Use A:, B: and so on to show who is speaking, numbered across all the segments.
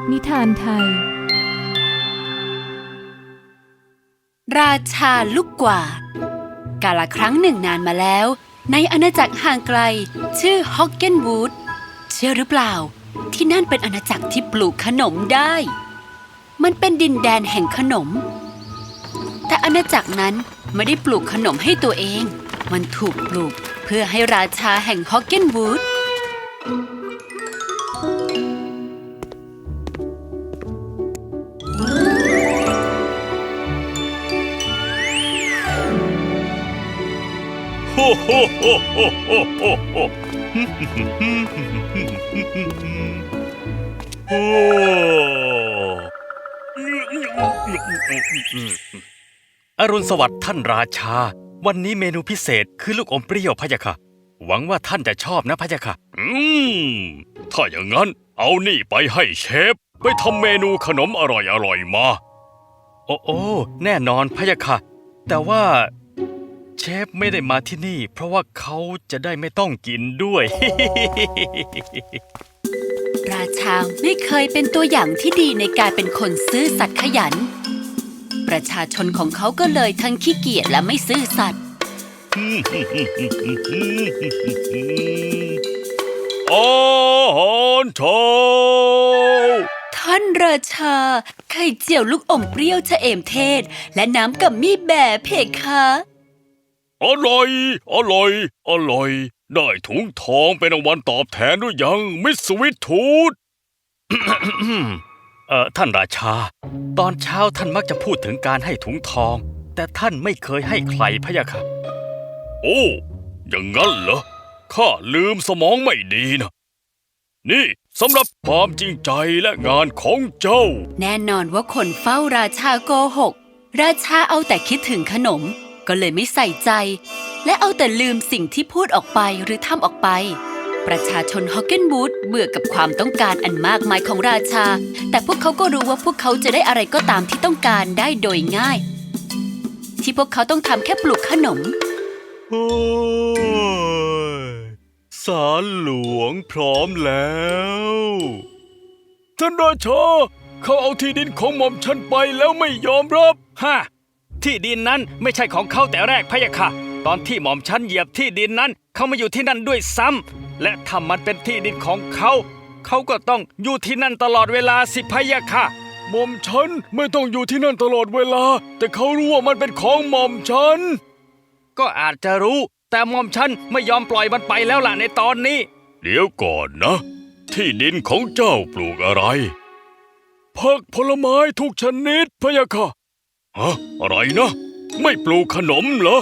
A: นิทานไทย
B: ราชาลูกกวาดกาลครั้งหนึ่งนานมาแล้วในอาณาจักรห่างไกลชื่อฮอกเกนวูดเชื่อหรือเปล่าที่นั่นเป็นอาณาจักรที่ปลูกขนมได้มันเป็นดินแดนแห่งขนมแต่อาณาจักรนั้นไม่ได้ปลูกขนมให้ตัวเองมันถูกปลูกเพื่อให้ราชาแห่งฮอกเกนวูด
C: โฮโฮโฮโฮโฮโฮโฮโอ้อรุณสวัสดิ์ท่านราชาวันนี้เมนูพิเศษคือลูกอมเปรี้ยวพะยะค่ะหวังว่าท่านจะชอบนะพะยะค่ะถ้าอย่างนั้นเอานี่ไปให้เชฟไปทำเมนูขนมอร่อยมาโอ้แน่นอนพะยะค่ะแต่ว่าเชฟไม่ได้มาที่นี่เพราะว่าเขาจะได้ไม่ต้องกินด้วย
B: ราชาไม่เคยเป็นตัวอย่างที่ดีในการเป็นคนซื่อสัตย์ขยันประชาชนของเขาก็เลยทั้งขี้เกียจและไม่ซื่อสัตย์
C: อาหารเช้า
B: ท่านราชาไข่เจียวลูกอมเปรี้ยวชะเอมเทศและน้ำกัมมี่แบร์เพคะ
C: อร่อยได้ถุงทองเป็นรางวัลตอบแทนด้วยยังมิสสวิตทูธ ท่านราชาตอนเช้าท่านมักจะพูดถึงการให้ถุงทองแต่ท่านไม่เคยให้ใครพะยะค่ะโอ้อย่างนั้นเหรอข้าลืมสมองไม่ดีนะนี่สำหรับความจริงใจและงานของเจ้า
B: แน่นอนว่าคนเฝ้าราชาโกหกราชาเอาแต่คิดถึงขนมก็เลยไม่ใส่ใจและเอาแต่ลืมสิ่งที่พูดออกไปหรือทำออกไปประชาชนฮอกเกนวูดเบื่อกับความต้องการอันมากมายของราชาแต่พวกเขาก็รู้ว่าพวกเขาจะได้อะไรก็ตามที่ต้องการได้โดยง่ายที่พวกเขาต้องทำแค่ปลูกขนม
C: โอ้ยศาลหลวงพร้อมแล้วท่านราชาเขาเอาที่ดินของหม่อมฉันไปแล้วไม่ยอมรับที่ดินนั้นไม่ใช่ของเขาแต่แรกพะยะค่ะตอนที่หม่อมฉันเหยียบที่ดินนั้นเขามาอยู่ที่นั่นด้วยซ้ำและถ้ามันเป็นที่ดินของเขาเขาก็ต้องอยู่ที่นั่นตลอดเวลาสิพะยะค่ะหม่อมฉันไม่ต้องอยู่ที่นั่นตลอดเวลาแต่เขารู้ว่ามันเป็นของหม่อมฉันก็อาจจะรู้แต่หม่อมฉันไม่ยอมปล่อยมันไปแล้วล่ะในตอนนี้เดี๋ยวก่อนนะที่ดินของเจ้าปลูกอะไรผักผลไม้ทุกชนิดพะยะค่ะอะไรนะไม่ปลูกขนมเหรอ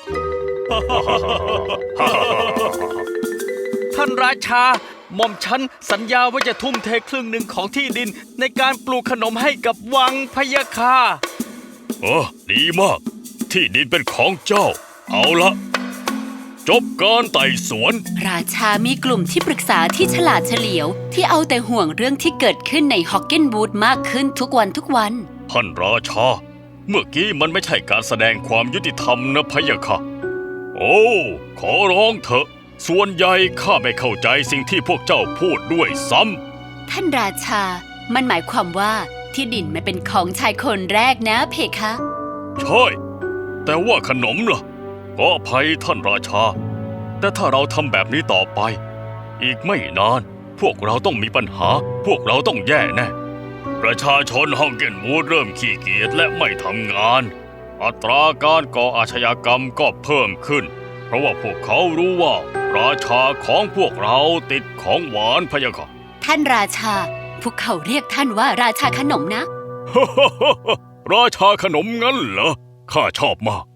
C: ท่านราชาหม่อมฉันสัญญาว่าจะทุ่มเทครึ่งหนึ่งของที่ดินในการปลูกขนมให้กับวังพะยะค่ะดีมากที่ดินเป็นของเจ้าเอาละจบการไต่สวน
B: ราชามีกลุ่มที่ปรึกษาที่ฉลาดเฉลียวที่เอาแต่ห่วงเรื่องที่เกิดขึ้นในฮอกเกนวูดมากขึ้นทุกวัน
C: ท่านราชาเมื่อกี้มันไม่ใช่การแสดงความยุติธรรมนะพะยะค่ะโอ้ขอร้องเถอะส่วนใหญ่ข้าไม่เข้าใจสิ่งที่พวกเจ้าพูดด้วยซ้
B: ำท่านราชามันหมายความว่าที่ดินมันเป็นของชายคนแรกนะเพคะ
C: ใช่แต่ว่าขนมล่ะก็อภัยท่านราชาแต่ถ้าเราทำแบบนี้ต่อไปอีกไม่นานพวกเราต้องมีปัญหาพวกเราต้องแย่แน่ประชาชนฮอกเกนวูดเริ่มขี้เกียจและไม่ทำงานอัตราการก่ออาชญากรรมก็เพิ่มขึ้นเพราะว่าพวกเขารู้ว่าราชาของพวกเราติดของหวานพะยะค่ะ
B: ท่านราชาพวกเขาเรียกท่านว่าราชาขนมนะ
C: ราชาขนมงั้นเหรอข้าชอบมาก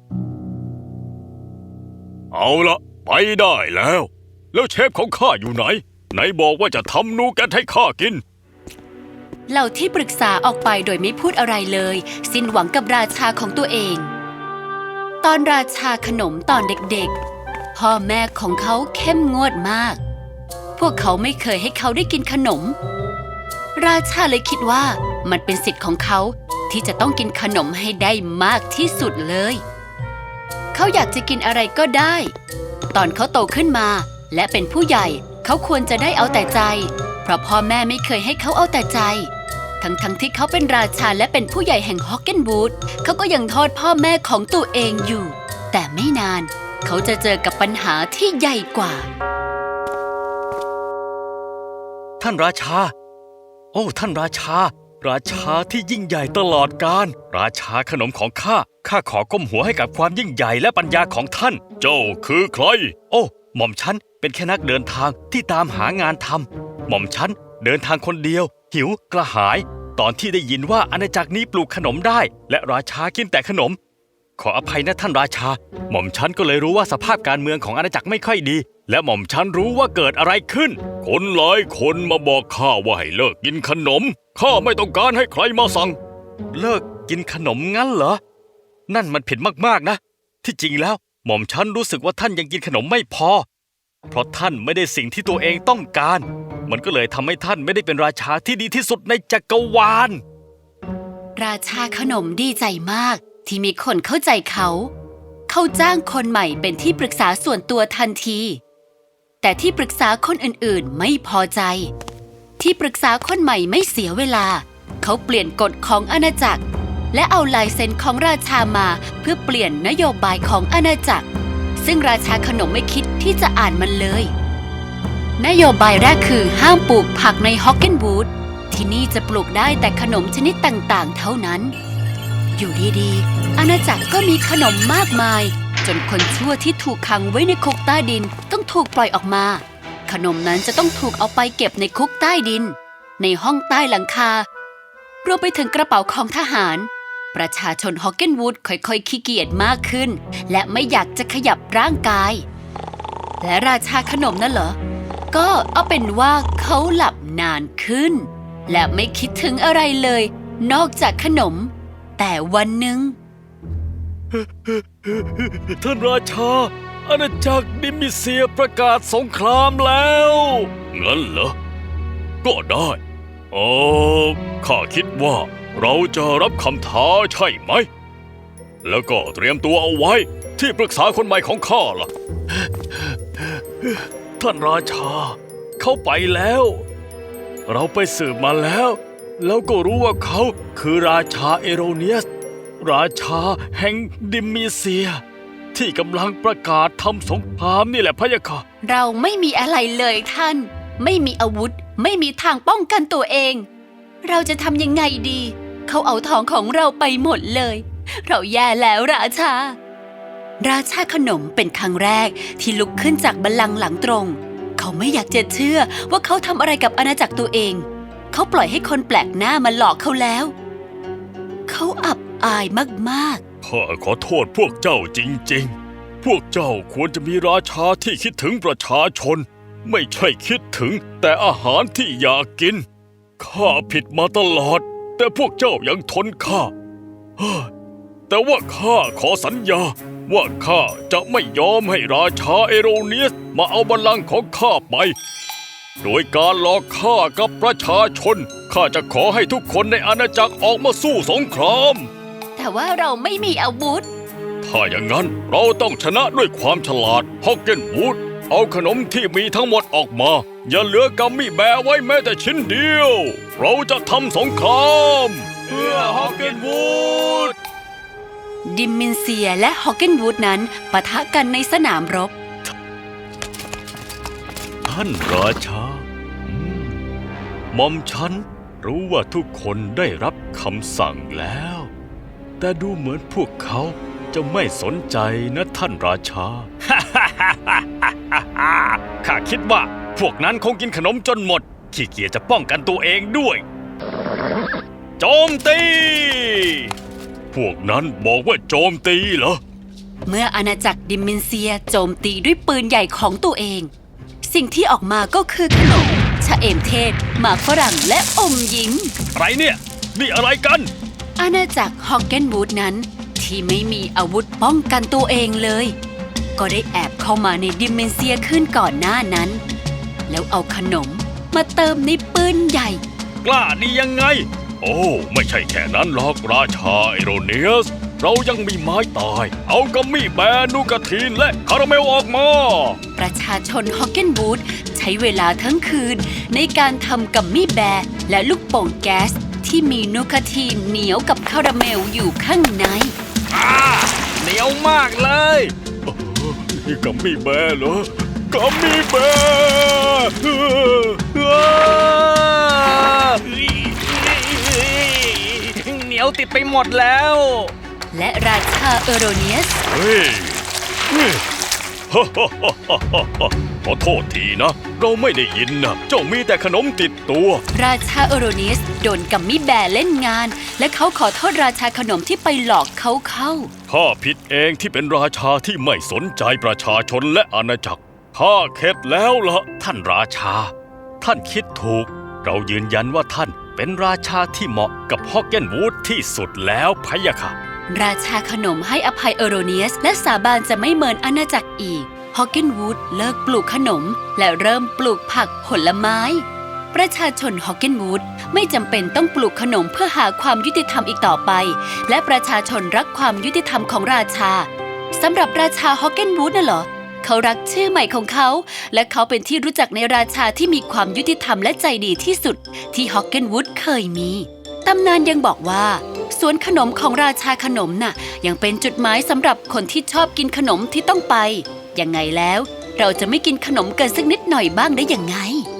C: เอาละไปได้แล้วเชฟของข้าอยู่ไหนบอกว่าจะทำนูแกตให้ข้ากิน
B: เหล่าที่ปรึกษาออกไปโดยไม่พูดอะไรเลยสิ้นหวังกับราชาของตัวเองตอนราชาขนมตอนเด็กๆพ่อแม่ของเขาเข้มงวดมากพวกเขาไม่เคยให้เขาได้กินขนมราชาเลยคิดว่ามันเป็นสิทธิ์ของเขาที่จะต้องกินขนมให้ได้มากที่สุดเลยเขาอยากจะกินอะไรก็ได้ตอนเขาโตขึ้นมาและเป็นผู้ใหญ่เขาควรจะได้เอาแต่ใจเพราะพ่อแม่ไม่เคยให้เขาเอาแต่ใจ ทั้งที่เขาเป็นราชาและเป็นผู้ใหญ่แห่งฮอกเกนวูดเขาก็ยังโทษพ่อแม่ของตัวเองอยู่ แต่ไม่นานเขาจะเจอกับปัญหาที่ใหญ่กว่า
C: ท่านราชา โอ้ท่านราชา ราชาที่ยิ่งใหญ่ตลอดกาลราชาขนมของข้าขอก้มหัวให้กับความยิ่งใหญ่และปัญญาของท่าน เจ้าคือใคร โอ้หม่อมฉันเป็นแค่นักเดินทางที่ตามหางานทำหม่อมฉันเดินทางคนเดียว หิวกระหาย ตอนที่ได้ยินว่าอาณาจักรนี้ปลูกขนมได้ และราชากินแต่ขนม ขออภัยนะท่านราชา หม่อมฉันก็เลยรู้ว่าสภาพการเมืองของอาณาจักรไม่ค่อยดี และหม่อมฉันรู้ว่าเกิดอะไรขึ้น คนหลายคนมาบอกข้าว่าให้เลิกกินขนม ข้าไม่ต้องการให้ใครมาสั่ง เลิกกินขนมงั้นเหรอ นั่นมันผิดมากๆนะ ที่จริงแล้วหม่อมฉันรู้สึกว่าท่านยังกินขนมไม่พอ เพราะท่านไม่ได้สิ่งที่ตัวเองต้องการ มันก็เลยทำให้ท่านไม่ได้เป็นราชาที่ดีที่สุดในจักรวาล
B: ราชาขนมดีใจมากที่มีคนเข้าใจเขา เขาจ้างคนใหม่เป็นที่ปรึกษาส่วนตัวทันที แต่ที่ปรึกษาคนอื่นๆไม่พอใจ ที่ปรึกษาคนใหม่ไม่เสียเวลา เขาเปลี่ยนกฎของอาณาจักร และเอาลายเซ็นของราชามาเพื่อเปลี่ยนนโยบายของอาณาจักร ซึ่งราชาขนมไม่คิดที่จะอ่านมันเลย นโยบายแรกคือห้ามปลูกผักในฮอกเกนวูดที่นี่จะปลูกได้แต่ขนมชนิดต่างๆ เท่านั้น อยู่ดีๆอาณาจักรก็มีขนมมากมาย จนคนชั่วที่ถูกขังไว้ในคุกใต้ดินต้องถูกปล่อยออกมา ขนมนั้นจะต้องถูกเอาไปเก็บในคุกใต้ดิน ในห้องใต้หลังคารวมไปถึงกระเป๋าของทหาร ประชาชนฮอกเกนวูดค่อยๆขี้เกียจมากขึ้น และไม่อยากจะขยับร่างกาย และราชาขนมนั่นเหรอ ก็เอาเป็นว่าเขาหลับนานขึ้น และไม่คิดถึงอะไรเลย นอกจากขนม แต่วันหนึ่ง
C: ท่านราชา อาณาจักรดิมิเซียประกาศสงครามแล้ว งั้นเหรอ ก็ได้ข้าคิดว่าเราจะรับคำท้าใช่ไหม แล้วก็เตรียมตัวเอาไว้ที่ปรึกษาคนใหม่ของข้าล่ะ ท่านราชา เขาไปแล้ว เราไปสืบมาแล้ว แล้วก็รู้ว่าเขาคือราชาเอโรเนียส ราชาแห่งดิมิเซีย ที่กำลังประกาศทำสงครามนี่แหละพะยะค่ะ
B: เราไม่มีอะไรเลยท่าน ไม่มีอาวุธ ไม่มีทางป้องกันตัวเอง เราจะทำยังไงดี เขาเอาทองของเราไปหมดเลย เราแย่แล้วราชา ราชาขนมเป็นครั้งแรกที่ลุกขึ้นจากบัลลังก์หลังตรง เขาไม่อยากจะเชื่อว่าเขาทำอะไรกับอาณาจักรตัวเอง เขาปล่อยให้คนแปลกหน้ามาหลอกเขาแล้ว เขาอับอายมากๆ
C: ข้าขอโทษพวกเจ้าจริงๆ พวกเจ้าควรจะมีราชาที่คิดถึงประชาชน ไม่ใช่คิดถึงแต่อาหารที่อยากกิน ข้าผิดมาตลอด แต่พวกเจ้ายังทนข้า แต่ว่าข้าขอสัญญาว่าข้าจะไม่ยอมให้ราชาเอโรเนียสมาเอาบัลลังก์ของข้าไป โดยการหลอกข้ากับประชาชน ข้าจะขอให้ทุกคนในอาณาจักรออกมาสู้สงคราม
B: แต่ว่าเราไม่มีอาวุธ
C: ถ้าอย่างนั้นเราต้องชนะด้วยความฉลาดฮอกเกนวูดเอาขนมที่มีทั้งหมดออกมา อย่าเหลือกัมมี่แบร์ไว้แม้แต่ชิ้นเดียว เราจะทำสงครามเพื่อฮอกเกนวูด
B: ดิมมินเซียและฮอกเกนวูดนั้นปะทะกันในสนามรบ
C: ท่านราชาหม่อมฉันรู้ว่าทุกคนได้รับคำสั่งแล้ว แต่ดูเหมือนพวกเขาจะไม่สนใจนะท่านราชา ข้าคิดว่าพวกนั้นคงกินขนมจนหมดขี้เกียจจะป้องกันตัวเองด้วย โจมตี พวกนั้นบอกว่าโจมตีเหรอ
B: เมื่ออาณาจักรดิมมินเซียโจมตีด้วยปืนใหญ่ของตัวเอง สิ่งที่ออกมาก็คือขนมชะเอมเทศหมากฝรั่งและอมยิ้ม
C: อะไรเนี่ยนี่อะไรกัน
B: อาณาจักรฮอกเกนวูดนั้นที่ไม่มีอาวุธป้องกันตัวเองเลย ก็ได้แอบเข้ามาในดิมเมนเซียขึ้นก่อนหน้านั้น แล้วเอาขนมมาเติมในปืนใหญ่
C: กล้าดียังไง โอ้ไม่ใช่แค่นั้นหรอกราชาเอโรเนียส เรายังมีไม้ตาย เอากัมมี่แบร์นูกาทีนและคาราเมลออกมา
B: ประชาชนฮอกเกนวูดใช้เวลาทั้งคืนในการทำกัมมี่แบร์และลูกโป่งแก๊สที่มีนูคาทีนเหนียวกับคาราเมลอยู่ข้างใน
C: เหนียวมากเลยนี่กัมมี่แบร์เหรอกัมมี่แบร์เหนียวติดไปหมดแล้ว
B: และราชาเอโรเนียส
C: เฮ้ยขอโทษทีนะ เราไม่ได้ยินนะเจ้ามีแต่ขนมติดตัว
B: ราชาเอโรเนียสโดนกัมมี่แบร์เล่นงาน และเขาขอโทษราชาขนมที่ไปหลอกเขาเข้า
C: ข้าผิดเองที่เป็นราชาที่ไม่สนใจประชาชนและอาณาจักรข้าเข็ดแล้วล่ะท่านราชา ท่านคิดถูก เรายืนยันว่าท่านเป็นราชาที่เหมาะกับฮอกเกนวูดที่สุดแล้วพะยะค่ะ
B: ราชาขนมให้อภัยเอโรเนียสและสาบานจะไม่เมินอาณาจักรอีก ฮอกเกนวูดเลิกปลูกขนมและเริ่มปลูกผักผลไม้ ประชาชนฮอกเกนวูดไม่จำเป็นต้องปลูกขนมเพื่อหาความยุติธรรมอีกต่อไป และประชาชนรักความยุติธรรมของราชาสำหรับราชาฮอกเกนวูดน่ะเหรอ เขารักชื่อใหม่ของเขา และเขาเป็นที่รู้จักในราชาที่มีความยุติธรรมและใจดีที่สุดที่ฮอกเกนวูดเคยมีตำนานยังบอกว่าสวนขนมของราชาขนมน่ะยังเป็นจุดหมายสำหรับคนที่ชอบกินขนมที่ต้องไปยังไงแล้วเราจะไม่กินขนมกันสักนิดหน่อยบ้างได้ยังไง